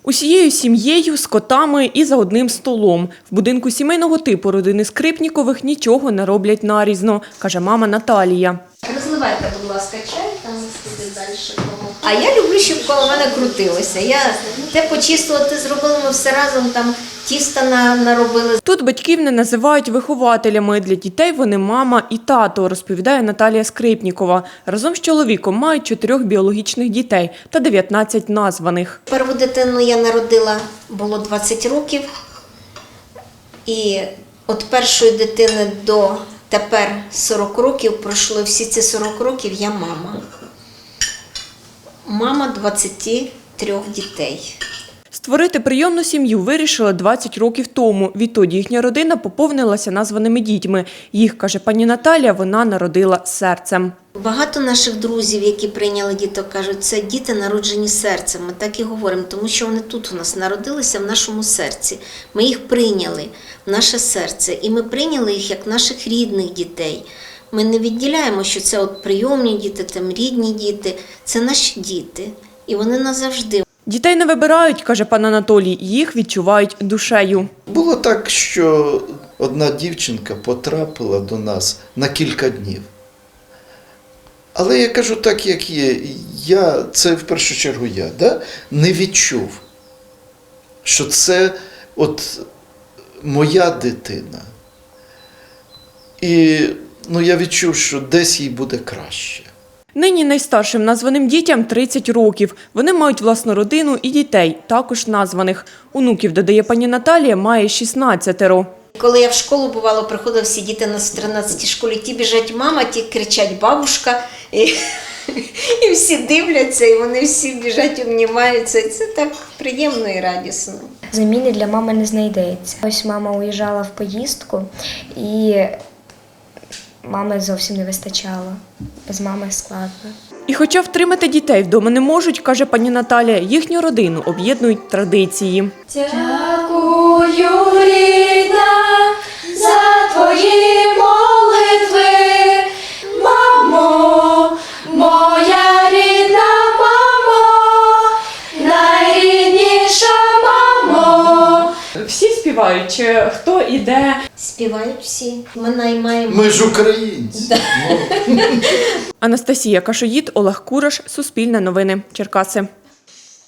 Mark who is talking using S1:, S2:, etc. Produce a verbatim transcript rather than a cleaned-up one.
S1: Усією сім'єю, з котами і за одним столом. В будинку сімейного типу родини Скрипнікових нічого не роблять нарізно, каже мама Наталія.
S2: Розливайте, будь ласка, чай, там буде далі. А я люблю, щоб коло мене крутилося. Я те почистила, те зробила, ми все разом там тіста наробили.
S1: Тут батьків не називають вихователями. Для дітей вони мама і тато, розповідає Наталія Скрипнікова. Разом з чоловіком мають чотирьох біологічних дітей та дев'ятнадцять названих.
S2: Перву дитину я народила, було двадцять років. І від першої дитини до тепер сорок років пройшло. Всі ці сорок років я мама. Мама двадцяти трьох дітей.
S1: Створити прийомну сім'ю вирішили двадцять років тому. Відтоді їхня родина поповнилася названими дітьми. Їх, каже пані Наталія, вона народила серцем.
S2: Багато наших друзів, які прийняли діток, кажуть, це діти народжені серцем. Ми так і говоримо, тому що вони тут у нас народилися, в нашому серці. Ми їх прийняли в наше серце, і ми прийняли їх як наших рідних дітей. Ми не відділяємо, що це от прийомні діти, там рідні діти. Це наші діти, і вони назавжди.
S1: Дітей не вибирають, каже пан Анатолій, їх відчувають душею.
S3: Було так, що одна дівчинка потрапила до нас на кілька днів. Але я кажу так, як є. Я, це в першу чергу я, да, не відчув, що це от моя дитина. І ну, я відчув, що десь їй буде краще.
S1: Нині найстаршим названим дітям тридцять років. Вони мають власну родину і дітей, також названих. Онуків, додає пані Наталія, має шістнадцятеро.
S2: Коли я в школу, бувало, приходили всі діти на тринадцятій школі, ті біжать мама, ті кричать бабушка, і, і всі дивляться, і вони всі біжать, обнімаються. І це так приємно і радісно.
S4: Заміни для мами не знайдеться. Ось мама уїжджала в поїздку, і мами зовсім не вистачало. Без мами складно.
S1: І хоча втримати дітей вдома не можуть, каже пані Наталія, їхню родину об'єднують традиції.
S5: Дякую, рідна, за твої молитви, мамо, моя рідна мамо, найрідніша мамо.
S1: Всі співають, чи хто іде?
S2: Співають всі. Ми наймаємо.
S3: Ми ж українці.
S1: Анастасія Кашоїд, Олег Кураш, Суспільне новини, Черкаси.